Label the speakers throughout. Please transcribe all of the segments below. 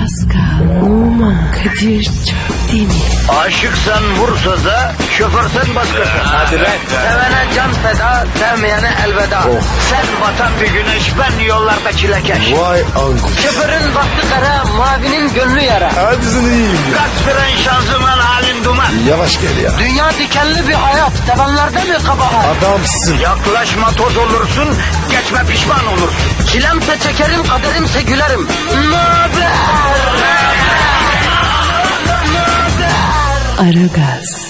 Speaker 1: Pascal, Oman, Kadir çok değil mi?
Speaker 2: Aşıksan vursa da, şoförsen başkasın.
Speaker 3: Hadi lan.
Speaker 2: Sevene can feda, sevmeyene elveda. Sen batan bir güneş, ben yollarda çilekeş.
Speaker 3: Vay anku.
Speaker 2: Şoförün baktı kara, mavinin gönlü yara.
Speaker 3: Hadi sen iyiyim ya.
Speaker 2: Kasperen şanzıman halin duman.
Speaker 3: Yavaş gel ya.
Speaker 2: Dünya dikenli bir hayat, sevenlerde mi kabahar?
Speaker 3: Adamsın.
Speaker 2: Yaklaşma toz olursun, geçme pişman olursun. Çilemse çekerim, kaderimse gülerim. Möber!
Speaker 1: Aragaz,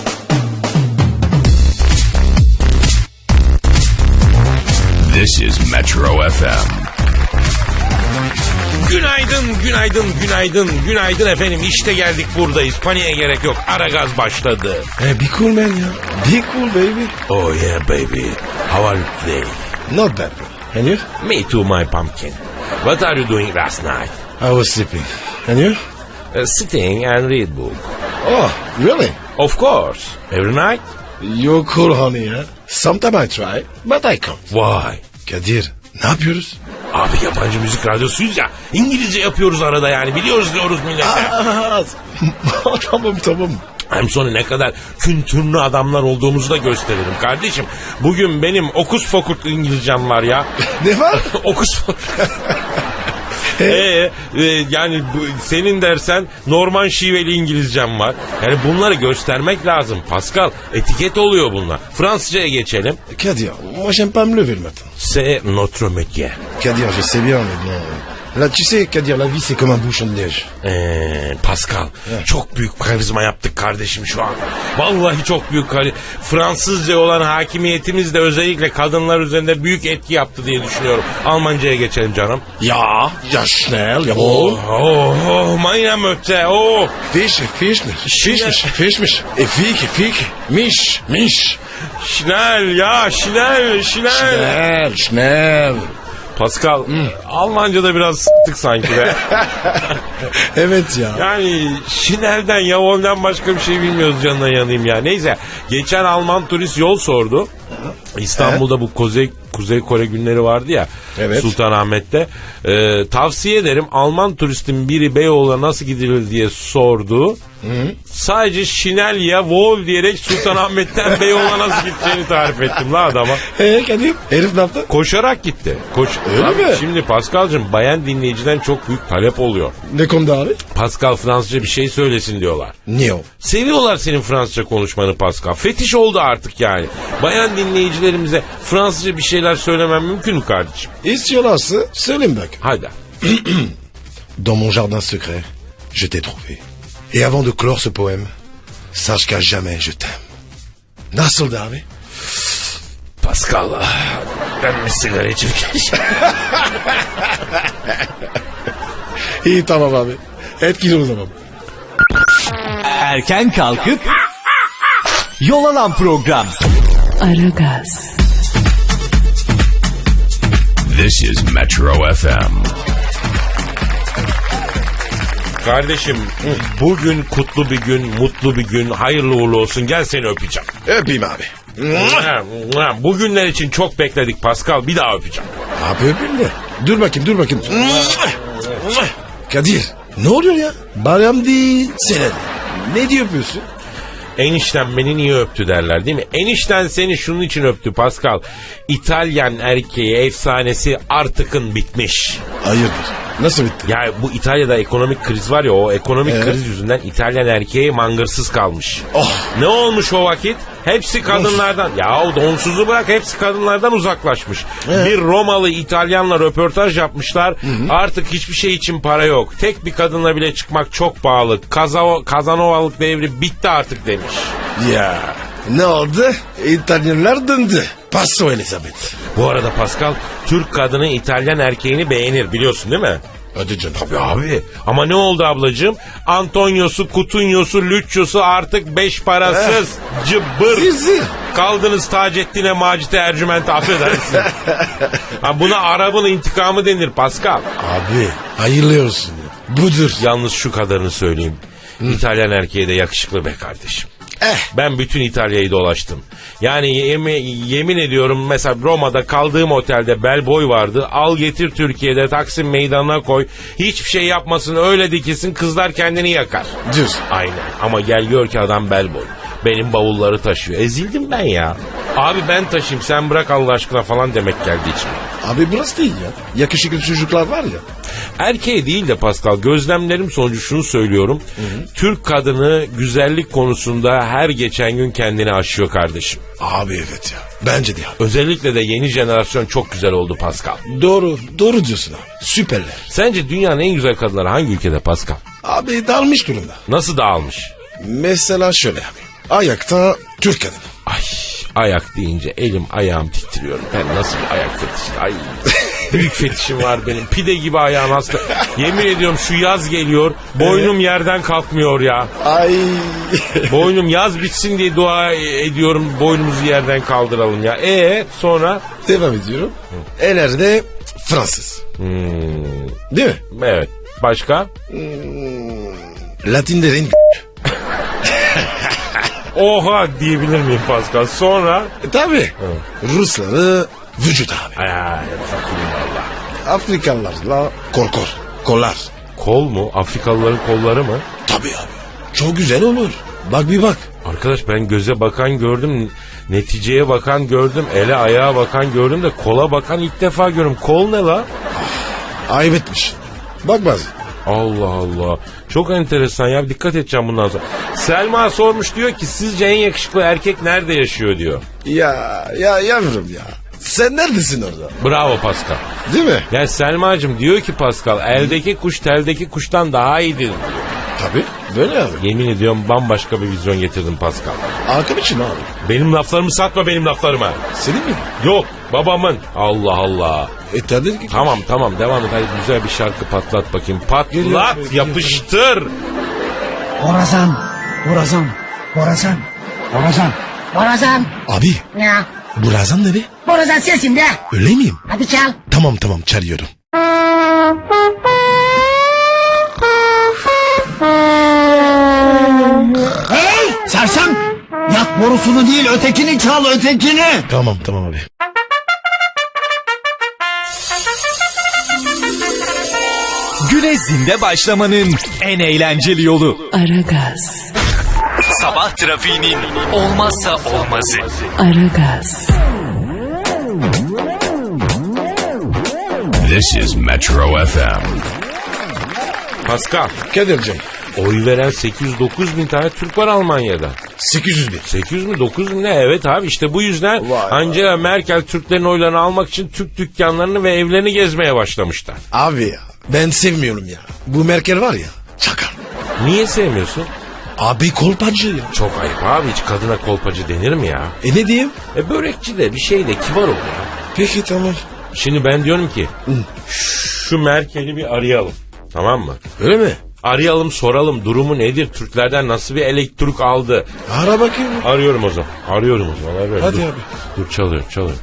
Speaker 4: This is Metro FM.
Speaker 5: Günaydın efendim. İşte geldik, buradayız. Paniğe gerek yok. Aragaz başladı.
Speaker 3: Be cool man ya. Be cool baby.
Speaker 5: Oh yeah baby. How are you today?
Speaker 3: Not bad bro. And you?
Speaker 5: Me too, my pumpkin. What are you doing last night?
Speaker 3: I was sleeping. And you?
Speaker 5: Sitting and read book.
Speaker 3: Oh, really?
Speaker 5: Of course. Every night?
Speaker 3: You're cool honey ya. Sometimes I try, but I can't.
Speaker 5: Why?
Speaker 3: Kadir, ne yapıyoruz?
Speaker 5: Abi yabancı müzik radyosuyuz ya. İngilizce yapıyoruz arada yani. Biliyoruz diyoruz millete.
Speaker 3: Tamam.
Speaker 5: Hem sonra ne kadar kültürlü adamlar olduğumuzu da gösteririm kardeşim. Bugün benim okus fokurt İngilizcem var ya.
Speaker 3: Ne var?
Speaker 5: Okus fokurt. Yani senin dersen Norman şiveli İngilizcem var. Yani bunları göstermek lazım Pascal. Etiket oluyor bunlar. Fransızcaya geçelim.
Speaker 3: Kadir, moi j'aime pas me lever le matin.
Speaker 5: C'est notre métier.
Speaker 3: Kadir, je sais bien, mais bon... Là, tu sais, Kadir, la vie, c'est comme un bouchon de neige.
Speaker 5: Pascal, çok büyük karizma yaptık kardeşim şu an. Vallahi çok büyük Fransızca olan hakimiyetimiz de özellikle kadınlar üzerinde büyük etki yaptı diye düşünüyorum. Almancaya geçelim canım.
Speaker 3: Ja, schnell, jawohl.
Speaker 5: Meine Mütter, oh.
Speaker 3: Fischmich. E fique. Mich.
Speaker 5: Schnell, ya, schnell.
Speaker 3: Schnell.
Speaker 5: Pascal, Almanca'da biraz s**tık sanki be.
Speaker 3: Evet ya.
Speaker 5: Yani Şiner'den, Yavol'den başka bir şey bilmiyoruz, canına yanayım ya. Neyse, geçen Alman turist yol sordu. İstanbul'da bu Kuzey Kore günleri vardı ya.
Speaker 3: Evet.
Speaker 5: Sultanahmet'te. Tavsiye ederim, Alman turistin biri Beyoğlu'na nasıl gidilir diye sordu. Sadece Şinelya Vol diyerek Sultanahmet'ten Beyoğlu'na nasıl gideceğini tarif ettim la adama.
Speaker 3: Kadir, herif ne yaptı?
Speaker 5: Koşarak gitti.
Speaker 3: Öyle mi?
Speaker 5: Şimdi Pascal'cığım, bayan dinleyiciden çok büyük talep oluyor.
Speaker 3: Ne konuda abi?
Speaker 5: Pascal Fransızca bir şey söylesin diyorlar.
Speaker 3: Niye o?
Speaker 5: Seviyorlar senin Fransızca konuşmanı Pascal. Fetiş oldu artık yani. Bayan dinleyicilerimize Fransızca bir şeyler söylemem mümkün mü kardeşim?
Speaker 3: İstiyorlarsa söyleyeyim bak.
Speaker 5: Hadi.
Speaker 3: Dans mon jardin secret, je t'ai trouvé. Et avant de clore ce poème, sache qu'à jamais je t'aime. Nasıldı abi?
Speaker 5: Pascal, ben bir sigara içirken.
Speaker 3: İyi tamam abi. Etkili o zaman.
Speaker 6: Erken kalkıp yol alan program.
Speaker 1: Aragaz,
Speaker 4: This is Metro FM.
Speaker 5: Kardeşim, bugün kutlu bir gün, mutlu bir gün, hayırlı uğurlu olsun. Gel seni öpeceğim.
Speaker 3: Öpeyim abi.
Speaker 5: Bugünler için çok bekledik Pascal, bir daha öpeceğim.
Speaker 3: Abi öpeyim de. Dur bakayım. Kadir, ne oluyor ya? Bayram değil, senin. Ne diyor yapıyorsun?
Speaker 5: Enişten beni niye öptü derler değil mi? Enişten seni şunun için öptü Pascal. İtalyan erkeği efsanesi artıkın bitmiş.
Speaker 3: Hayırdır? Nasıl bitti?
Speaker 5: Ya bu İtalya'da ekonomik kriz var ya, o ekonomik kriz yüzünden İtalyan erkeği mangırsız kalmış.
Speaker 3: Oh.
Speaker 5: Ne olmuş o vakit? Hepsi kadınlardan. Ya donsuzu bırak, hepsi kadınlardan uzaklaşmış. Bir Romalı İtalyanla röportaj yapmışlar. Artık hiçbir şey için para yok. Tek bir kadınla bile çıkmak çok pahalı. Kazanovalık devri bitti artık demiş.
Speaker 3: Ya ne oldu? İtalyanlar döndü. Paso Elizabeth.
Speaker 5: Bu arada Pascal, Türk kadını İtalyan erkeğini beğenir, biliyorsun değil mi?
Speaker 3: Hadi canım.
Speaker 5: Tabii abi. Ama ne oldu ablacığım? Antonio'su, Kutunyo'su, Lüccio'su artık beş parasız. Cıbbır.
Speaker 3: Sizi.
Speaker 5: Kaldınız Taceddin'e, Macit'e, Ercüment'e, affedersin. Buna Arap'ın intikamı denir Pascal.
Speaker 3: Abi hayırlı olsun. Budur.
Speaker 5: Yalnız şu kadarını söyleyeyim. İtalyan erkeği de yakışıklı be kardeşim. Ben bütün İtalya'yı dolaştım. Yani yemin ediyorum mesela Roma'da kaldığım otelde bellboy vardı. Al getir Türkiye'de Taksim Meydanı'na koy. Hiçbir şey yapmasın öyle dikilsin kızlar kendini yakar.
Speaker 3: Diyorsun.
Speaker 5: Aynen ama gel gör ki adam bellboy. Benim bavulları taşıyor. Ezildim ben ya. Abi ben taşıyayım sen bırak Allah aşkına falan demek geldi içime.
Speaker 3: Abi burası değil ya. Yakışıklı çocuklar var ya.
Speaker 5: Erkeğe değil de Pascal gözlemlerim sonucu şunu söylüyorum. Türk kadını güzellik konusunda her geçen gün kendini aşıyor kardeşim.
Speaker 3: Abi evet ya. Bence de ya.
Speaker 5: Özellikle de yeni jenerasyon çok güzel oldu Pascal.
Speaker 3: Doğru diyorsun abi. Süperler.
Speaker 5: Sence dünyanın en güzel kadınları hangi ülkede Pascal?
Speaker 3: Abi dalmış durumda.
Speaker 5: Nasıl dağılmış?
Speaker 3: Mesela şöyle abi. Ayakta Türk kadını.
Speaker 5: Ay ayak deyince elim ayağım titriyor. Ben nasıl bir ayak fetişi? Ay büyük fetişim var benim. Pide gibi ayağım hasta. Yemin ediyorum şu yaz geliyor. Boynum yerden kalkmıyor ya.
Speaker 3: Ay.
Speaker 5: Boynum yaz bitsin diye dua ediyorum. Boynumuzu yerden kaldıralım ya. Sonra?
Speaker 3: Devam ediyorum. Ellerde Fransız. Değil mi?
Speaker 5: Evet. Başka?
Speaker 3: Latinlerin
Speaker 5: Oha diyebilir miyim Pascal? Sonra?
Speaker 3: tabii. Rusları vücut abi.
Speaker 5: Ay fakirim valla.
Speaker 3: Afrikalılarla kollar.
Speaker 5: Kol mu? Afrikalıların kolları mı?
Speaker 3: Tabii abi. Çok güzel olur. Bak bir bak.
Speaker 5: Arkadaş ben göze bakan gördüm, neticeye bakan gördüm, ele ayağa bakan gördüm de kola bakan ilk defa görüyorum. Kol ne la?
Speaker 3: Ayıp etmiş. Bak bazı.
Speaker 5: Allah Allah. Çok enteresan ya. Dikkat edeceğim bundan sonra. Selma sormuş diyor ki sizce en yakışıklı erkek nerede yaşıyor diyor.
Speaker 3: Ya yavrum ya. Sen neredesin orada?
Speaker 5: Bravo Pascal.
Speaker 3: Değil mi?
Speaker 5: Ya Selma'cığım diyor ki Pascal eldeki kuş teldeki kuştan daha iyidir diyor.
Speaker 3: Tabii. Böyle abi.
Speaker 5: Yemin ediyorum bambaşka bir vizyon getirdim Pascal.
Speaker 3: Arkam için abi.
Speaker 5: Benim laflarımı satma benim laflarıma.
Speaker 3: Senin mi?
Speaker 5: Yok babamın. Allah Allah.
Speaker 3: Tabii ki.
Speaker 5: Tamam devam et. Hadi güzel bir şarkı patlat bakayım. Patlat yapıştır.
Speaker 7: Borazan.
Speaker 3: Abi.
Speaker 7: Ya.
Speaker 3: Burazan ne be?
Speaker 7: Borazan sensin de.
Speaker 3: Öyle miyim?
Speaker 7: Hadi çal.
Speaker 3: Tamam çalıyorum.
Speaker 8: Hey sersem! Yak borusunu değil ötekini çal ötekini.
Speaker 3: Tamam abi.
Speaker 6: Güne zinde başlamanın en eğlenceli yolu.
Speaker 1: Aragaz,
Speaker 6: Sabah trafiğinin olmazsa olmazı.
Speaker 1: Aragaz,
Speaker 4: This is Metro FM.
Speaker 5: Pascal.
Speaker 3: Kadir'cim.
Speaker 5: Oy veren 800-9 bin tane Türk var Almanya'da.
Speaker 3: 800 bin.
Speaker 5: 800 mi 9 bin ne? Evet abi işte bu yüzden
Speaker 3: Vay.
Speaker 5: Angela Merkel Türklerin oylarını almak için Türk dükkanlarını ve evlerini gezmeye başlamışlar.
Speaker 3: Abi ya ben sevmiyorum ya. Bu Merkel var ya çakal.
Speaker 5: Niye sevmiyorsun?
Speaker 3: Abi kolpacı ya.
Speaker 5: Çok ayıp abi hiç kadına kolpacı denir mi ya?
Speaker 3: Ne diyeyim?
Speaker 5: Börekçi de bir şey de kibar ol ya.
Speaker 3: Peki tamam.
Speaker 5: Şimdi ben diyorum ki şu Merkel'i bir arayalım tamam mı?
Speaker 3: Öyle mi?
Speaker 5: Arayalım soralım durumu nedir? Türklerden nasıl bir elektrik aldı?
Speaker 3: Ara bakayım.
Speaker 5: Arıyorum o zaman. Arıyorum.
Speaker 3: Hadi
Speaker 5: Dur.
Speaker 3: abi.
Speaker 5: Dur çalıyor.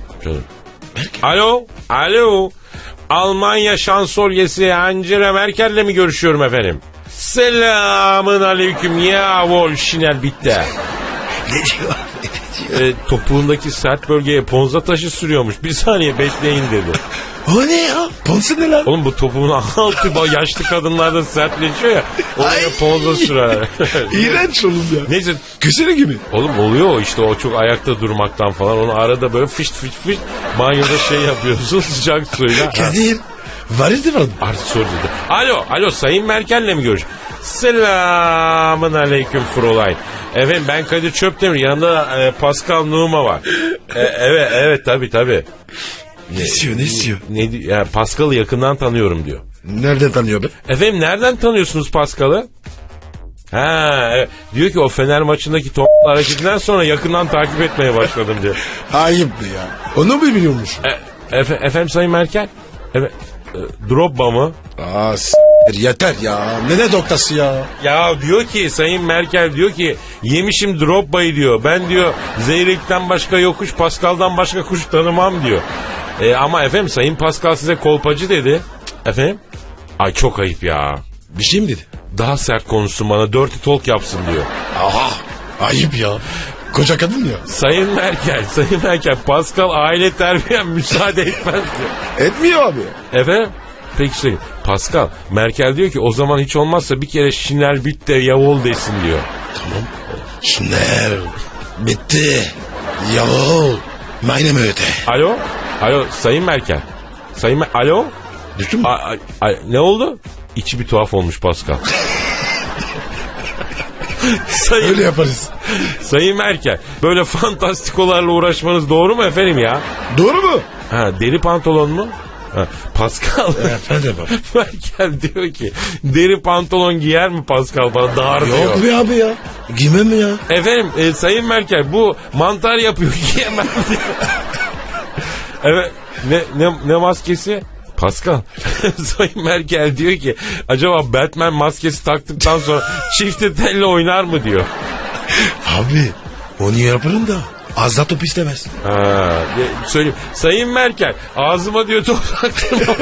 Speaker 5: Alo. Almanya şansölyesi Angela Merkel'le mi görüşüyorum efendim? Selamın aleyküm ya Volşiner bitti.
Speaker 3: Ne diyor?
Speaker 5: Topuğundaki sert bölgeye ponza taşı sürüyormuş. Bir saniye bekleyin dedi.
Speaker 3: O ne ya? Ponsu ne lan?
Speaker 5: Oğlum bu topuğun altı yaşlı kadınlarda sertleşiyor ya. Oraya
Speaker 3: Ay.
Speaker 5: ponza sürer.
Speaker 3: İğrenç oğlum ya.
Speaker 5: Neyse.
Speaker 3: Kösene gibi.
Speaker 5: Oğlum oluyor o işte o çok ayakta durmaktan falan. Onu arada böyle fışt banyoda şey yapıyorsun sıcak suyla.
Speaker 3: Kadir. Vardı var.
Speaker 5: Artık sor dedi. Alo Sayın Merkel'le mi görüş? Selamın aleyküm Fräulein. Efendim ben Kadir Çöptemir yanında Pascal Numa var. Evet tabii.
Speaker 3: Ne istiyor?
Speaker 5: Yani Pascal'ı yakından tanıyorum diyor.
Speaker 3: Nereden tanıyor be?
Speaker 5: Efendim nereden tanıyorsunuz Pascal'ı? Evet. Diyor ki o Fener maçındaki top hareketinden sonra yakından takip etmeye başladım diyor.
Speaker 3: Ayıptı ya. Onu mu biliyormuş?
Speaker 5: Efendim Sayın Merkel? Evet. Drogba mı?
Speaker 3: Yeter ya. Ne doktası ya?
Speaker 5: Ya diyor ki Sayın Merkel diyor ki yemişim Drogba'yı diyor. Ben diyor Zeyrek'ten başka yokuş Pascal'dan başka kuş tanımam diyor. Ama efendim Sayın Pascal size kolpacı dedi. Efendim? Ay çok ayıp ya.
Speaker 3: Bir şey mi dedi?
Speaker 5: Daha sert konuşsun bana dirty talk yapsın diyor.
Speaker 3: Aha. Ayıp ya. Koca kadın ya.
Speaker 5: Sayın Merkel, Pascal aile terbiyen müsaade etmez diyor.
Speaker 3: Etmiyor abi.
Speaker 5: Efendim? Peki söyleyeyim. Pascal, Merkel diyor ki o zaman hiç olmazsa bir kere Şinel bitte yavul desin diyor.
Speaker 3: Tamam. Şunlar. Bitti. Yahu. Maynem öte.
Speaker 5: Alo, Sayın Merkel. Alo?
Speaker 3: Düştün mü?
Speaker 5: Ne oldu? İçi bir tuhaf olmuş Pascal.
Speaker 3: Öyle yaparız.
Speaker 5: Sayın Merkel, böyle fantastikolarla uğraşmanız doğru mu efendim ya?
Speaker 3: Doğru mu?
Speaker 5: Ha, deri pantolon mu? Ha, Pascal.
Speaker 3: Efendim bak.
Speaker 5: Merkel diyor ki deri pantolon giyer mi Pascal bana dar diyor.
Speaker 3: Yok be abi ya. Giymem mi ya?
Speaker 5: Efendim Sayın Merkel bu mantar yapıyor giyemem diyor. Evet ne maskesi? Pascal, Sayın Merkel diyor ki acaba Batman maskesi taktıktan sonra çifte telle oynar mı diyor.
Speaker 3: Abi onu yaparım da az da top istemez.
Speaker 5: Söyleyeyim. Sayın Merkel ağzıma diyor top taktırma.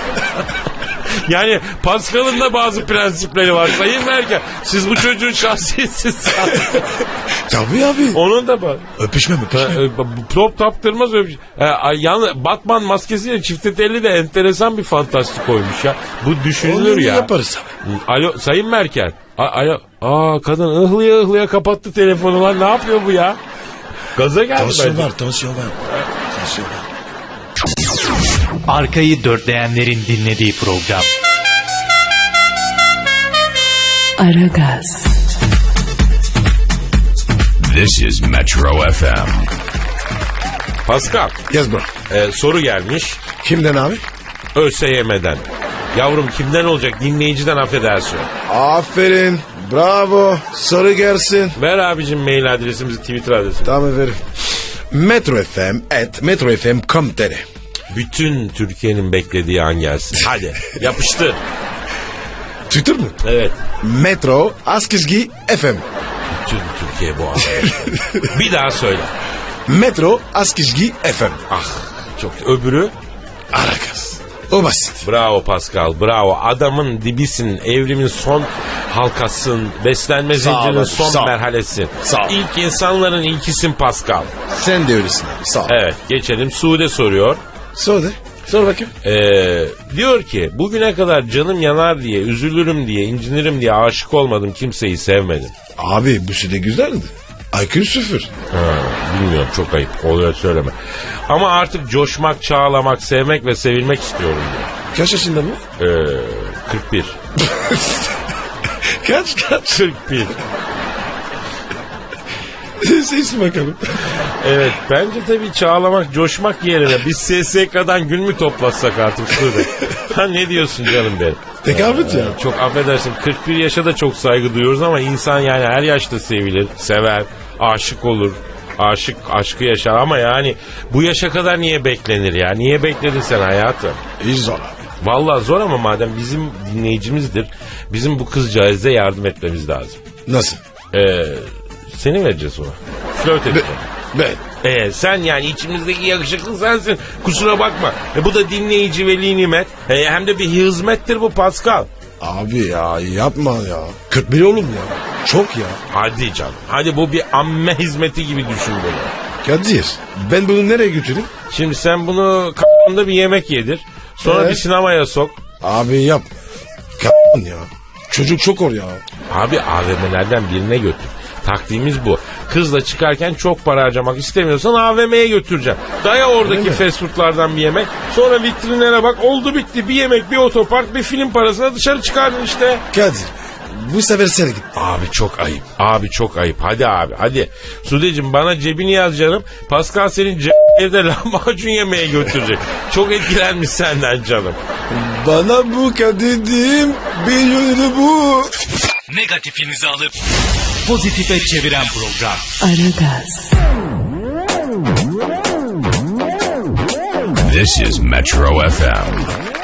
Speaker 5: Yani Pascal'ın da bazı prensipleri var Sayın Merkel. Siz bu çocuğun şahsiyetsiz.
Speaker 3: Tabii abi.
Speaker 5: Onun da var.
Speaker 3: Öpüşme.
Speaker 5: Top taptırmaz yalnız Batman maskesiyle çifte telli de enteresan bir fantastik koymuş ya. Bu düşünülür
Speaker 3: onu
Speaker 5: ya.
Speaker 3: Yaparız abi.
Speaker 5: Alo Sayın Merkel. Alo. Kadın ıhlıya kapattı telefonu lan. Ne yapıyor bu ya? Gaza geldi bence.
Speaker 3: Tansiyon var.
Speaker 6: Arkayı dörtleyenlerin dinlediği program.
Speaker 1: Aragaz,
Speaker 4: This is Metro FM.
Speaker 5: Pascal.
Speaker 3: Yes bro.
Speaker 5: Soru gelmiş.
Speaker 3: Kimden abi?
Speaker 5: ÖSYM'den. Yavrum kimden olacak? Dinleyiciden affedersin.
Speaker 3: Aferin. Bravo. Soru gelsin.
Speaker 5: Ver abicim mail adresimizi, Twitter adresimizi.
Speaker 3: Tamam efendim. metrofm@metrofm.com.tr
Speaker 5: Bütün Türkiye'nin beklediği an gelsin. Hadi yapıştır.
Speaker 3: Twitter mı?
Speaker 5: Evet.
Speaker 3: Metro Askizgi FM.
Speaker 5: Bütün Türkiye bu an. Bir daha söyle.
Speaker 3: Metro Askizgi FM.
Speaker 5: Ah çok öbürü.
Speaker 3: Aragaz. O basit.
Speaker 5: Bravo Pascal, bravo. Adamın dibisin, evrimin son halkasın, beslenme zincirinin
Speaker 3: abi,
Speaker 5: son
Speaker 3: sağ ol.
Speaker 5: merhalesin.
Speaker 3: Sağ ol.
Speaker 5: İlk insanların ilkisin Pascal.
Speaker 3: Sen de öylesin abi. Sağ ol.
Speaker 5: Evet, geçelim. Sude soruyor.
Speaker 3: Sor de. Sor bakayım.
Speaker 5: Diyor ki bugüne kadar canım yanar diye, üzülürüm diye, incinirim diye aşık olmadım, kimseyi sevmedim.
Speaker 3: Abi bu süre güzeldi. IQ 0.
Speaker 5: Bilmiyorum, çok ayıp, oluyor söyleme. Ama artık coşmak, çağlamak, sevmek ve sevilmek istiyorum diyor.
Speaker 3: Kaç yaşında bu?
Speaker 5: 41.
Speaker 3: Kaç?
Speaker 5: 41.
Speaker 3: Seçsin bakalım.
Speaker 5: Evet, bence tabii çağlamak, coşmak yerine biz SSK'dan gün mü toplatsak artık şurada. Ha ne diyorsun canım benim?
Speaker 3: Tekabüt ya.
Speaker 5: Çok affedersin, 41 yaşa da çok saygı duyuyoruz ama insan yani her yaşta sevilir, sever, aşık olur. Aşkı yaşar ama yani bu yaşa kadar niye beklenir ya? Niye bekledin sen hayatım?
Speaker 3: İyi zor abi.
Speaker 5: Vallahi zor ama madem bizim dinleyicimizdir, bizim bu kızcağıza yardım etmemiz lazım.
Speaker 3: Nasıl?
Speaker 5: Seni vereceğiz ona. Flört edeceğim.
Speaker 3: Ben.
Speaker 5: Sen yani içimizdeki yakışıklı sensin. Kusura bakma. Bu da dinleyici veli nimet. Hem de bir hizmettir bu Pascal.
Speaker 3: Abi ya yapma ya. 41 oğlum ya. Çok ya.
Speaker 5: Hadi canım. Hadi bu bir amme hizmeti gibi düşün bunu.
Speaker 3: Kadir ben bunu nereye götüreyim?
Speaker 5: Şimdi sen bunu k***ında bir yemek yedir. Sonra bir sinemaya sok.
Speaker 3: Abi yap. Ya. Çocuk çok or ya.
Speaker 5: Abi AVM'lerden birine götür. Taktiğimiz bu. Kızla çıkarken çok para harcamak istemiyorsan AVM'ye götüreceğim. Daya oradaki fast foodlardan bir yemek. Sonra vitrinlere bak, oldu bitti. Bir yemek, bir otopark, bir film parasına dışarı çıkardın işte.
Speaker 3: Kadir bu sefer sen git.
Speaker 5: Abi çok ayıp. Abi çok ayıp. Hadi abi hadi. Sudeciğim bana cebini yaz canım. Pascal senin evde lahmacun yemeye götürecek. Çok etkilenmiş senden canım.
Speaker 3: Bana bu Kadir'dim bir yönü bu.
Speaker 6: Negatifinizi alıp pozitife çeviren program.
Speaker 1: Aragaz,
Speaker 4: This is Metro FM.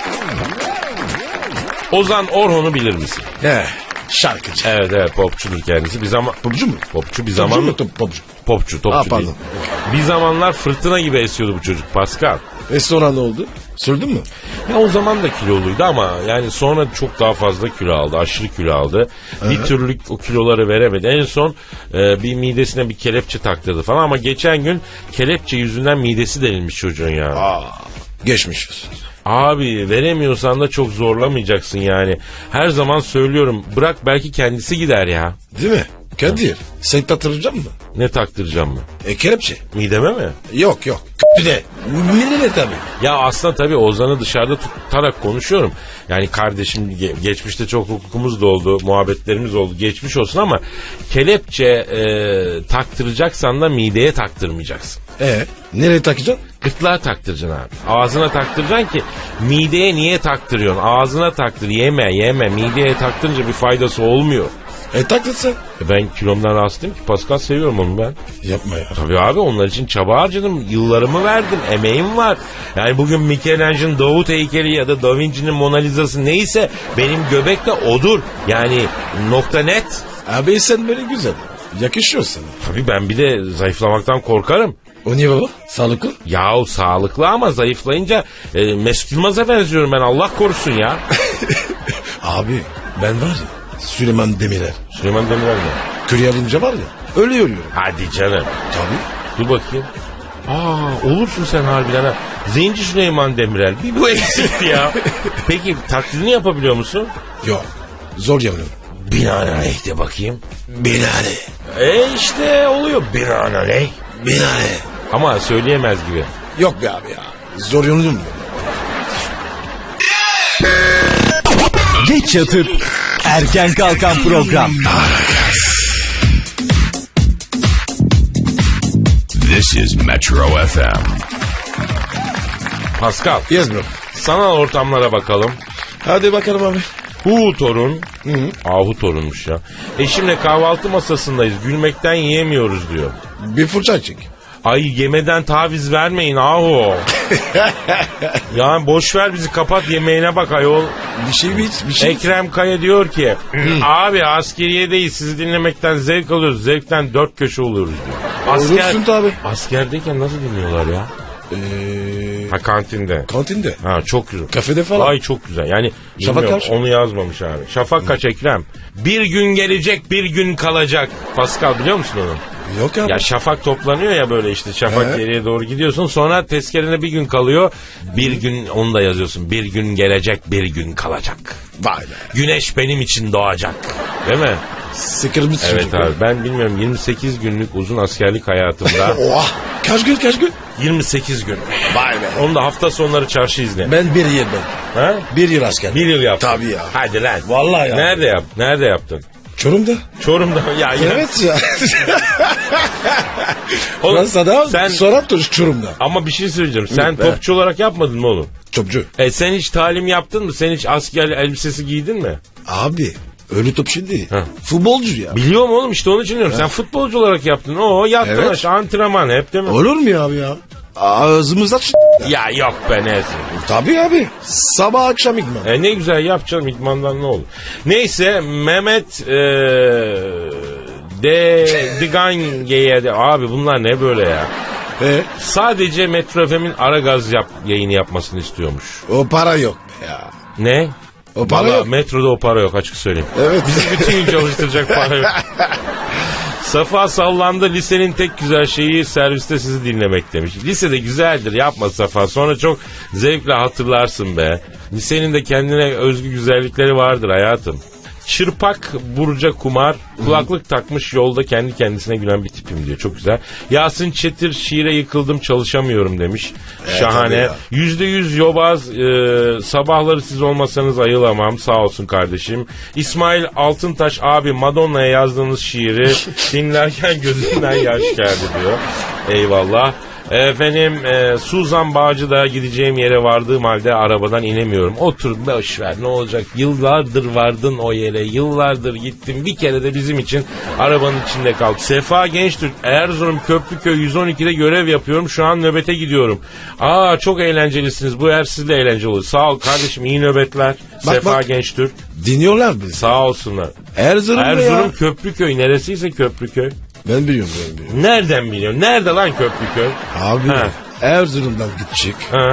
Speaker 5: Ozan Orhon'u bilir misin?
Speaker 3: Şarkıcı.
Speaker 5: Evet popçudur kendisi. Bir zaman
Speaker 3: Popçu mu?
Speaker 5: popçu bir
Speaker 3: Popçu
Speaker 5: zaman
Speaker 3: mu? Popçu.
Speaker 5: topçu
Speaker 3: Aa,
Speaker 5: değil.
Speaker 3: pardon.
Speaker 5: Bir zamanlar fırtına gibi esiyordu bu çocuk Pascal.
Speaker 3: Sonra ne oldu? Sürdün mü?
Speaker 5: Ya o zaman da kiloluydu ama yani sonra çok daha fazla kilo aldı. Aşırı kilo aldı. Bir türlü o kiloları veremedi. En son bir midesine bir kelepçe taktırdı falan ama geçen gün kelepçe yüzünden midesi delinmiş çocuğun ya.
Speaker 3: Geçmiş olsun.
Speaker 5: Abi veremiyorsan da çok zorlamayacaksın yani. Her zaman söylüyorum bırak belki kendisi gider ya.
Speaker 3: Değil mi? Kadir sen taktıracak mı?
Speaker 5: Ne taktıracağım mı?
Speaker 3: Kelepçe.
Speaker 5: Mideme mi?
Speaker 3: Yok yok. Bir de. Midene tabii.
Speaker 5: Ya aslında tabii Ozan'ı dışarıda tutarak konuşuyorum. Yani kardeşim geçmişte çok hukukumuz da oldu, muhabbetlerimiz oldu. Geçmiş olsun ama kelepçe taktıracaksan da mideye taktırmayacaksın.
Speaker 3: Nereye takacaksın?
Speaker 5: Gırtlağa taktıracaksın abi. Ağzına taktıracaksın ki mideye niye taktırıyorsun? Ağzına taktır, yeme. Mideye taktırınca bir faydası olmuyor.
Speaker 3: Taktırsın.
Speaker 5: Ben kilomdan rahatsızım ki Pascal, seviyorum onu ben.
Speaker 3: Yapma ya.
Speaker 5: Tabii abi onlar için çaba harcadım. Yıllarımı verdim. Emeğim var. Yani bugün Michelangelo'nun Davut heykeli ya da Da Vinci'nin Mona Lisa'sı neyse benim göbek de odur. Yani nokta net.
Speaker 3: Abi sen böyle güzel. Yakışıyor sana.
Speaker 5: Tabii ben bir de zayıflamaktan korkarım.
Speaker 3: O niye baba? Sağlıklı?
Speaker 5: Yahu sağlıklı ama zayıflayınca Mesut Yılmaz'a benziyorum ben, Allah korusun ya.
Speaker 3: Abi ben var ya Süleyman Demirel.
Speaker 5: Süleyman Demirel mi?
Speaker 3: Kürye alınca var ya öyle yürüyorum.
Speaker 5: Hadi canım.
Speaker 3: Tabii.
Speaker 5: Dur bakayım. Olursun sen harbiden ha. Zenci Süleyman Demirel. Bir bu eksikti ya. Peki taklidini yapabiliyor musun?
Speaker 3: Yok. Zor yanıyorum.
Speaker 5: Binaenaleyh de bakayım.
Speaker 3: Binaenaleyh.
Speaker 5: İşte oluyor binaenaleyh.
Speaker 3: Binaenaleyh.
Speaker 5: Ama söyleyemez gibi.
Speaker 3: Yok be abi ya. Zor yanıyorum.
Speaker 6: Geç yatıp erken kalkan program.
Speaker 4: This is Metro FM.
Speaker 5: Pascal,
Speaker 3: Yes bro.
Speaker 5: sanal ortamlara bakalım.
Speaker 3: Hadi bakalım abi.
Speaker 5: Hu torun. Ahu torunmuş ya. Eşimle kahvaltı masasındayız. Gülmekten yiyemiyoruz diyor.
Speaker 3: Bir fırça çek.
Speaker 5: Ay yemeden taviz vermeyin ahu. Yani boş ver bizi, kapat yemeğine bak ayol.
Speaker 3: Bir şey.
Speaker 5: Ekrem Kaya diyor ki abi askeriyedeyiz, sizi dinlemekten zevk alıyoruz. Zevkten dört köşe oluyoruz diyor.
Speaker 3: Olursun tabii.
Speaker 5: Askerdeyken nasıl dinliyorlar ya? Ha kantinde.
Speaker 3: Kantinde.
Speaker 5: Ha çok güzel.
Speaker 3: Kafede falan.
Speaker 5: Ay çok güzel. Yani
Speaker 3: Şafak
Speaker 5: bilmiyorum,
Speaker 3: kaç?
Speaker 5: onu yazmamış abi. Şafak kaç Ekrem? Bir gün gelecek, bir gün kalacak. Pascal biliyor musun onu?
Speaker 3: Yok abi.
Speaker 5: Ya şafak toplanıyor ya böyle işte, şafak
Speaker 3: He.
Speaker 5: geriye doğru gidiyorsun, sonra tezkerene bir gün kalıyor, bir gün onu da yazıyorsun, bir gün gelecek, bir gün kalacak.
Speaker 3: Vay be.
Speaker 5: Güneş benim için doğacak, değil mi?
Speaker 3: Sıkılmış
Speaker 5: Evet
Speaker 3: çocuk.
Speaker 5: abi, ben bilmiyorum 28 günlük uzun askerlik hayatımda
Speaker 3: Oha. Kaç gün?
Speaker 5: 28 gün.
Speaker 3: Vay be.
Speaker 5: Onu da hafta sonları çarşı izle.
Speaker 3: Ben bir yıl
Speaker 5: Ha?
Speaker 3: Bir yıl asker.
Speaker 5: Bir yıl yaptın.
Speaker 3: Tabii ya.
Speaker 5: Hadi lan.
Speaker 3: Vallahi ya.
Speaker 5: Nerede yaptın?
Speaker 3: Çorum'da.
Speaker 5: Çorum'da. Ya
Speaker 3: Evet ya.
Speaker 5: Oğlum,
Speaker 3: Fransa'da
Speaker 5: sen...
Speaker 3: sonra Çorum'da.
Speaker 5: Ama bir şey söyleyeceğim. Sen
Speaker 3: be.
Speaker 5: topçu olarak yapmadın mı oğlum?
Speaker 3: Topçu.
Speaker 5: Sen hiç talim yaptın mı? Sen hiç asker elbisesi giydin mi?
Speaker 3: Abi öyle topçu değil.
Speaker 5: Ha.
Speaker 3: Futbolcu ya.
Speaker 5: Biliyorum oğlum, işte onun için diyorum. Sen futbolcu olarak yaptın. Yattın
Speaker 3: Evet.
Speaker 5: aşağı, antrenman hep değil mi?
Speaker 3: Olur mu ya abi ya? Ağzımızda
Speaker 5: Ya yok be, ne?
Speaker 3: Tabii abi. Sabah akşam idman.
Speaker 5: Ne güzel yapacaksın, idmandan ne olur. Neyse Mehmet Digange'ye de abi bunlar ne böyle ya? Sadece Metro FM'in Aragaz yayını yapmasını istiyormuş.
Speaker 3: O para yok ya.
Speaker 5: Ne?
Speaker 3: O para
Speaker 5: Vallahi
Speaker 3: yok.
Speaker 5: Metroda o para yok, açık söyleyeyim.
Speaker 3: Evet.
Speaker 5: Bizi bütün gün çalıştıracak para yok. Safa sallandı, lisenin tek güzel şeyi serviste sizi dinlemek demiş. Lisede güzeldir, yapma Safa, sonra çok zevkle hatırlarsın be. Lisenin de kendine özgü güzellikleri vardır hayatım. Çırpak Burca Kumar, kulaklık takmış yolda kendi kendisine gülen bir tipim diyor. Çok güzel. Yasin Çetir, şiire yıkıldım çalışamıyorum demiş. Şahane. %100 yobaz, sabahları siz olmasanız ayılamam, sağ olsun kardeşim. İsmail Altıntaş, abi Madonna'ya yazdığınız şiiri dinlerken gözümden yaş geldi diyor. Eyvallah. Efendim Suzan Bağcı'da gideceğim yere vardığım halde arabadan inemiyorum. Otur boş ver, ne olacak? Yıllardır vardın o yere, yıllardır gittin. Bir kere de bizim için arabanın içinde kal. Sefa Gençtürk, Erzurum Köprüköy 112'de görev yapıyorum. Şu an nöbete gidiyorum. Çok eğlencelisiniz. Bu eğer sizle eğlenceli olur. Sağ ol kardeşim, iyi nöbetler. Sefa Gençtürk.
Speaker 3: Dinliyorlar bizi.
Speaker 5: Sağ olsunlar.
Speaker 3: Erzurum
Speaker 5: Köprüköy, neresiyse Köprüköy.
Speaker 3: Ben biliyorum.
Speaker 5: Nereden biliyorsun? Nerede lan Köprüköy?
Speaker 3: Abi
Speaker 5: Ha.
Speaker 3: Erzurum'dan gidecek.
Speaker 5: Ha.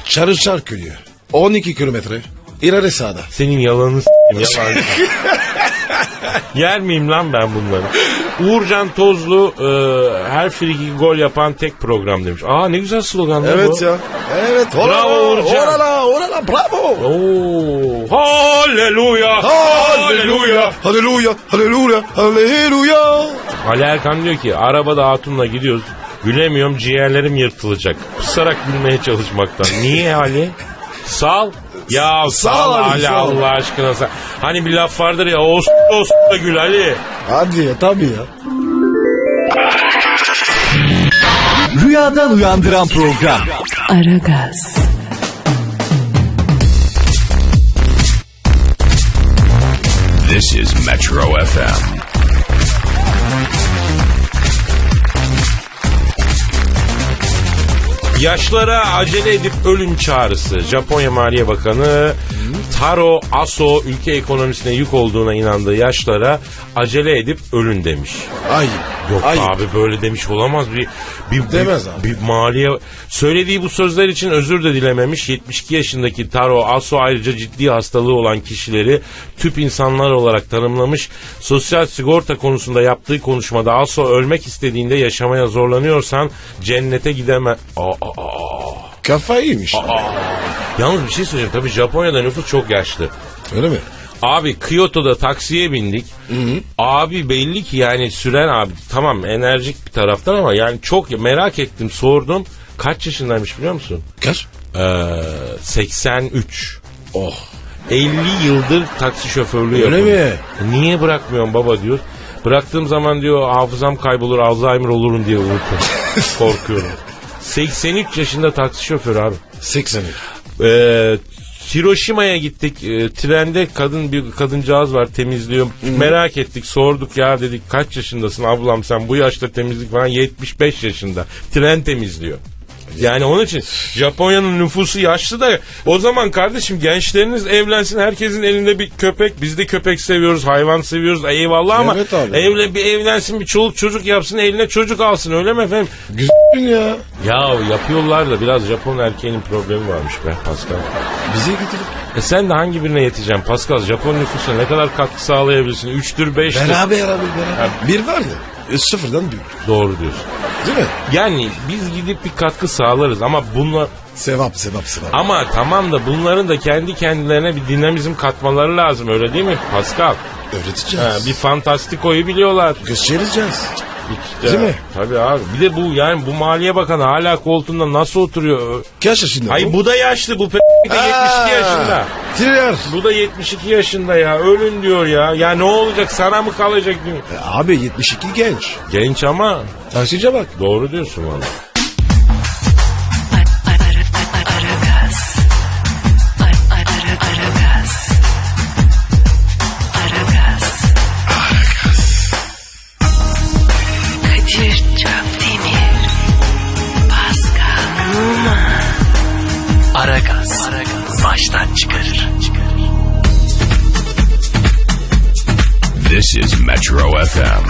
Speaker 3: Çarışar köyü. 12 kilometre. İleri sağda.
Speaker 5: Senin yalanını s**eyim, yalan. Yer miyim lan ben bunları? Uğurcan Tozlu her friki gol yapan tek program demiş. Aa ne güzel slogan lan bu.
Speaker 3: Evet ya. Evet.
Speaker 5: Bravo Uğurcan.
Speaker 3: Orala bravo.
Speaker 5: Oo, halleluya.
Speaker 3: Halleluya. Halleluya. Halleluya. Halleluya.
Speaker 5: Ali Erkan diyor ki arabada hatunla gidiyoruz. Gülemiyorum, ciğerlerim yırtılacak. Pusarak gülmeye çalışmaktan. Niye Ali? Sal. Ya sal
Speaker 3: Ali,
Speaker 5: Ali,
Speaker 3: sal.
Speaker 5: Allah aşkına sal. Hani bir laf vardır ya, os da gül Ali.
Speaker 3: Hadi ya tabii ya.
Speaker 6: Rüyadan uyandıran program.
Speaker 1: Aragaz,
Speaker 4: This is Metro FM.
Speaker 5: Yaşlara acele edip ölün çağrısı. Japonya Maliye Bakanı Taro Aso ülke ekonomisine yük olduğuna inandığı yaşlara acele edip ölün demiş.
Speaker 3: Ayıp.
Speaker 5: Yok
Speaker 3: Ayıp.
Speaker 5: abi böyle demiş olamaz.
Speaker 3: Demez abi.
Speaker 5: Bir maliye söylediği bu sözler için özür de dilememiş. 72 yaşındaki Taro Aso ayrıca ciddi hastalığı olan kişileri tüp insanlar olarak tanımlamış. Sosyal sigorta konusunda yaptığı konuşmada Aso ölmek istediğinde yaşamaya zorlanıyorsan cennete gideme.
Speaker 3: Kafayı yemiş.
Speaker 5: Yalnız bir şey söyleyeyim. Tabii Japonya'da nüfus çok yaşlı.
Speaker 3: Öyle mi?
Speaker 5: Abi Kyoto'da taksiye bindik. Abi belli ki yani süren abi tamam enerjik bir taraftan ama yani çok merak ettim sordum. Kaç yaşındaymış biliyor musun?
Speaker 3: Kaç?
Speaker 5: 83.
Speaker 3: Oh.
Speaker 5: 50 yıldır taksi şoförlüğü
Speaker 3: Öyle
Speaker 5: yapıyor.
Speaker 3: mi?
Speaker 5: Niye bırakmıyorum baba diyor. Bıraktığım zaman diyor hafızam kaybolur, Alzheimer olurum diye unutuyorum. Korkuyorum. 83 yaşında taksi şoförü abi.
Speaker 3: 83.
Speaker 5: Hiroşima'ya gittik. Trende bir kadıncağız var temizliyor. Merak ettik, sorduk ya dedik kaç yaşındasın ablam sen bu yaşta temizlik falan 75 yaşında. Tren temizliyor. Yani onun için Japonya'nın nüfusu yaşlı da o zaman kardeşim gençleriniz evlensin, herkesin elinde bir köpek, biz de köpek seviyoruz, hayvan seviyoruz eyvallah ama
Speaker 3: Evet abi.
Speaker 5: evlensin bir çoluk çocuk yapsın, eline çocuk alsın öyle mi efendim?
Speaker 3: Güzel ya.
Speaker 5: Ya yapıyorlar da biraz Japon erkeğinin problemi varmış be Pascal.
Speaker 3: Bize getirip.
Speaker 5: Sen de hangi birine yeteceksin Pascal? Japon nüfusuna ne kadar katkı sağlayabilirsin? 3'tür 5'tir.
Speaker 3: Beraber. Bir var ya. Sıfırdan büyük.
Speaker 5: Doğru diyorsun.
Speaker 3: Değil mi?
Speaker 5: Yani biz gidip bir katkı sağlarız ama bunlar...
Speaker 3: Sevap.
Speaker 5: Ama tamam da bunların da kendi kendilerine bir dinamizm katmaları lazım öyle değil mi Pascal?
Speaker 3: Öğreteceğiz.
Speaker 5: Bir fantastikoyu biliyorlar.
Speaker 3: Göstereceğiz.
Speaker 5: İşte,
Speaker 3: Değil mi?
Speaker 5: Tabii abi. Bir de bu yani bu Maliye Bakanı hala koltuğunda nasıl oturuyor?
Speaker 3: Kaç yaşında
Speaker 5: Hayır bu da yaşlı bu de 72 yaşında.
Speaker 3: Tiner.
Speaker 5: Bu da 72 yaşında ya. Ölün diyor ya. Ya ne olacak sana mı kalacak?
Speaker 3: Abi 72 genç.
Speaker 5: Genç ama
Speaker 3: Taksice bak.
Speaker 5: doğru diyorsun valla.
Speaker 1: Aragaz, Kadir Çöpdemir, Pascal Numa. Aragaz, baştan çıkarır.
Speaker 4: This is Metro FM.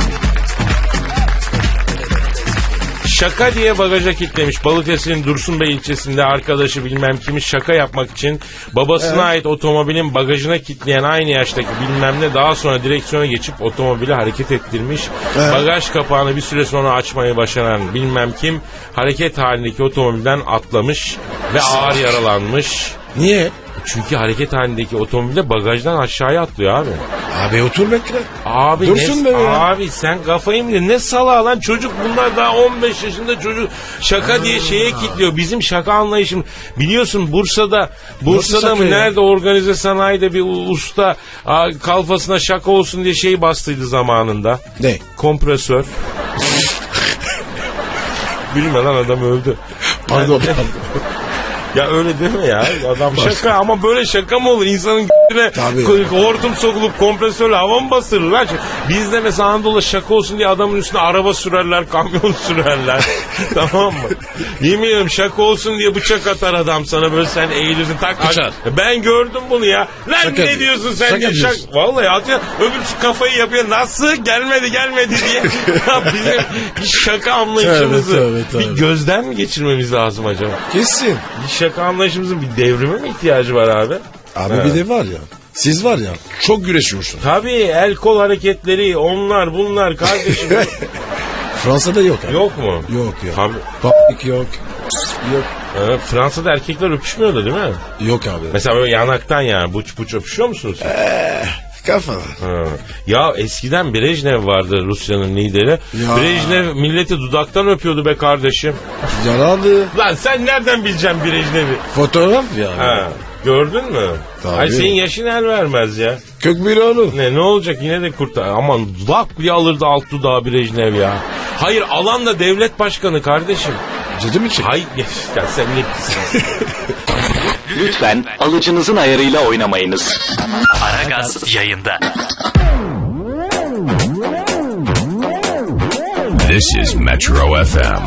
Speaker 5: Şaka diye bagaja kilitlemiş. Balıkesir'in Dursunbey ilçesinde arkadaşı bilmem kimi şaka yapmak için babasına ait otomobilin bagajına kilitleyen aynı yaştaki bilmem ne daha sonra direksiyona geçip otomobili hareket ettirmiş. Bagaj kapağını bir süre sonra açmayı başaran bilmem kim hareket halindeki otomobilden atlamış ve ağır yaralanmış.
Speaker 3: Niye?
Speaker 5: Çünkü hareket halindeki otomobilde bagajdan aşağıya atlıyor abi.
Speaker 3: Abi otur bekle.
Speaker 5: Abi
Speaker 3: Dursun be ya.
Speaker 5: Abi sen kafayı mı yedin? Ne salağı lan çocuk bunlar daha 15 yaşında çocuk şaka diye şeye kilitliyor. Bizim şaka anlayışım biliyorsun Bursa'da
Speaker 3: şaka
Speaker 5: mı
Speaker 3: ya?
Speaker 5: nerede organize sanayide bir usta kalfasına şaka olsun diye şey bastıydı zamanında.
Speaker 3: Ne?
Speaker 5: Kompresör. Gülme lan adam öldü.
Speaker 3: Pardon.
Speaker 5: Ya öyle deme ya. Adam şaka ama böyle şaka mı olur? İnsanın g***ne
Speaker 3: Tabii.
Speaker 5: hortum sokulup kompresörle hava mı bastırırlar? Bizde mesela Anadolu'da şaka olsun diye adamın üstüne araba sürerler, kamyon sürerler. Tamam mı? Yemin ediyorum şaka olsun diye bıçak atar adam sana böyle sen eğilirsin tak.
Speaker 3: Bıçak.
Speaker 5: Ben gördüm bunu ya. Lan
Speaker 3: Şaka
Speaker 5: ne
Speaker 3: diyor.
Speaker 5: diyorsun sen
Speaker 3: Şaka
Speaker 5: diye
Speaker 3: diyorsun.
Speaker 5: Vallahi atıyor. Öbür kafayı yapıyor. Nasıl? Gelmedi diye. Ya bizim bir şaka anlayışımızı
Speaker 3: Tabii.
Speaker 5: bir gözden mi geçirmemiz lazım acaba?
Speaker 3: Kesin.
Speaker 5: şaka anlayışımızın bir devrime mi ihtiyacı var abi?
Speaker 3: Abi
Speaker 5: Ha.
Speaker 3: bir de var ya. Siz var ya çok güreşiyorsun.
Speaker 5: Tabii el kol hareketleri onlar bunlar kardeşim.
Speaker 3: Fransa'da yok abi.
Speaker 5: Yok mu?
Speaker 3: Yok yok.
Speaker 5: Tabii.
Speaker 3: Papik yok. Yok.
Speaker 5: Fransa'da erkekler öpüşmüyordu değil mi?
Speaker 3: Yok abi.
Speaker 5: Mesela böyle yanaktan yani buç buç öpüşüyor musunuz?
Speaker 3: Kafana.
Speaker 5: Ha. Ya eskiden Brejnev vardı Rusya'nın lideri.
Speaker 3: Ya.
Speaker 5: Brejnev milleti dudaktan öpüyordu be kardeşim.
Speaker 3: Yaradı.
Speaker 5: Lan sen nereden bileceksin Brejnev'i?
Speaker 3: Fotoğraf ya.
Speaker 5: Ha. Gördün mü?
Speaker 3: Tabii.
Speaker 5: Ay senin yaşın el vermez ya.
Speaker 3: Kök bir onu.
Speaker 5: Ne olacak yine de kurtar. Aman dudak bile alırdı alt dudağı Brejnev ya. Hayır alan da devlet başkanı kardeşim.
Speaker 3: Ciddi mi çek?
Speaker 5: Hayır ya sen ne pisin.
Speaker 9: Lütfen alıcınızın ayarıyla oynamayınız.
Speaker 1: Aragaz yayında.
Speaker 4: This is Metro FM.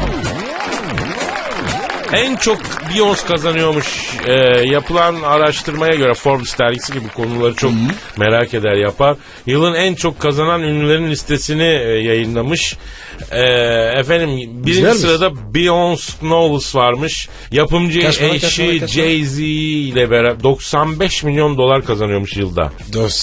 Speaker 5: En çok Beyoncé kazanıyormuş yapılan araştırmaya göre Forbes dergisi gibi konuları çok merak eder yapar. Yılın en çok kazanan ünlülerin listesini yayınlamış. Efendim birinci
Speaker 3: Güzel
Speaker 5: sırada Beyoncé Knowles varmış. Yapımcı
Speaker 3: Kaç para,
Speaker 5: eşi
Speaker 3: kaç para?
Speaker 5: Jay-Z ile beraber 95 milyon dolar kazanıyormuş yılda.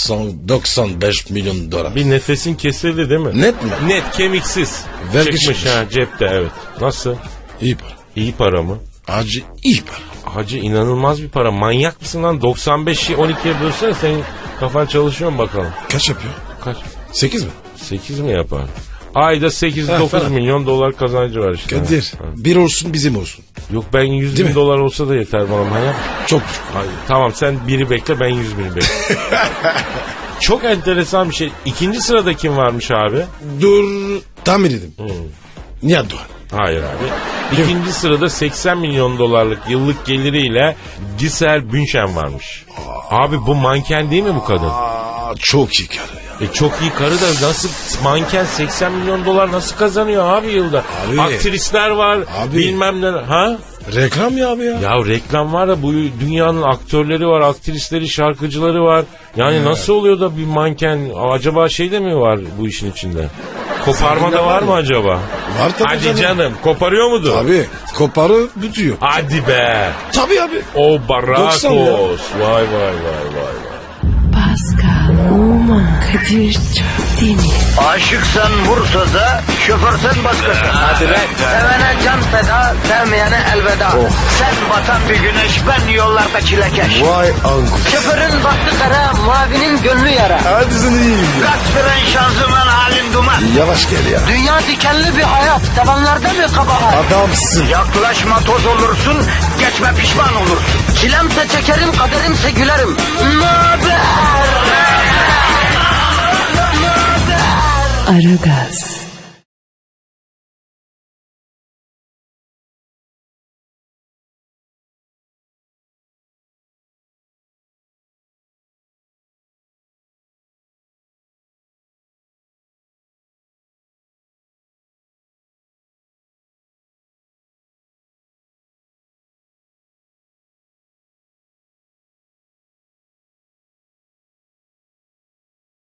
Speaker 3: 95 milyon dolar.
Speaker 5: Bir nefesin kesildi değil mi?
Speaker 3: Net mi?
Speaker 5: Net kemiksiz.
Speaker 3: Vergi
Speaker 5: Çıkmış
Speaker 3: çıkmış.
Speaker 5: ha cepte evet. Nasıl?
Speaker 3: İyi para.
Speaker 5: İyi para mı?
Speaker 3: Acı iyi para.
Speaker 5: Hacı inanılmaz bir para. Manyak mısın lan? 95'i 12'ye bölsene senin kafan çalışıyor mu bakalım?
Speaker 3: Kaç yapıyor?
Speaker 5: Kaç?
Speaker 3: 8 mi?
Speaker 5: 8 mi yapar? Ayda 8-9
Speaker 3: falan.
Speaker 5: milyon dolar kazancı var işte.
Speaker 3: Kadir.
Speaker 5: Ha.
Speaker 3: Bir olsun bizim olsun.
Speaker 5: Yok ben 100
Speaker 3: Değil
Speaker 5: bin
Speaker 3: mi?
Speaker 5: dolar olsa da yeter bana manyak.
Speaker 3: Çok.
Speaker 5: Ay, tamam sen biri bekle ben 100 bini bekle. Çok enteresan bir şey. İkinci sırada kim varmış abi?
Speaker 3: Dur. Tahmin edin. Nihat Doğan.
Speaker 5: Hayır abi. İkinci sırada 80 milyon dolarlık yıllık geliriyle Giselle Bündchen varmış. Abi bu manken değil mi bu kadın?
Speaker 3: Aa, çok iyi karı ya.
Speaker 5: Çok iyi karı da nasıl manken 80 milyon dolar nasıl kazanıyor abi yılda?
Speaker 3: Abi.
Speaker 5: Aktrisler var
Speaker 3: Abi.
Speaker 5: bilmem ne. Ha?
Speaker 3: Reklam ya abi ya.
Speaker 5: Ya reklam var da bu dünyanın aktörleri var, aktrisleri, şarkıcıları var. Yani nasıl oluyor da bir manken acaba şey de mi var bu işin içinde? Koparma da var mı acaba?
Speaker 3: Var tabii
Speaker 5: Hadi canım. Koparıyor mudur?
Speaker 3: Abi koparı bitiyor.
Speaker 5: Hadi be.
Speaker 3: Tabii abi.
Speaker 5: O Barakos.
Speaker 3: 90 ya.
Speaker 5: Vay vay vay vay.
Speaker 1: Pascal, Oman, Kadir çok değil mi?
Speaker 2: Aşıksan vursa da, şoförsen başkasın. Hadi sevene can feda, sevmeyene elveda. Sen batan bir güneş, ben yollarda çilekeş.
Speaker 3: Vay anku.
Speaker 2: Şoförün baktı kara, mavinin gönlü yara.
Speaker 3: Hadi sen iyiyim ya.
Speaker 2: Kasperen şanzıman halin duman.
Speaker 3: Yavaş gel ya.
Speaker 2: Dünya dikenli bir hayat, sevenlerde mi kabahar?
Speaker 3: Adamsın.
Speaker 2: Yaklaşma toz olursun, geçme pişman olursun. Çilemse çekerim, kaderimse gülerim. Möber!
Speaker 1: Aragaz.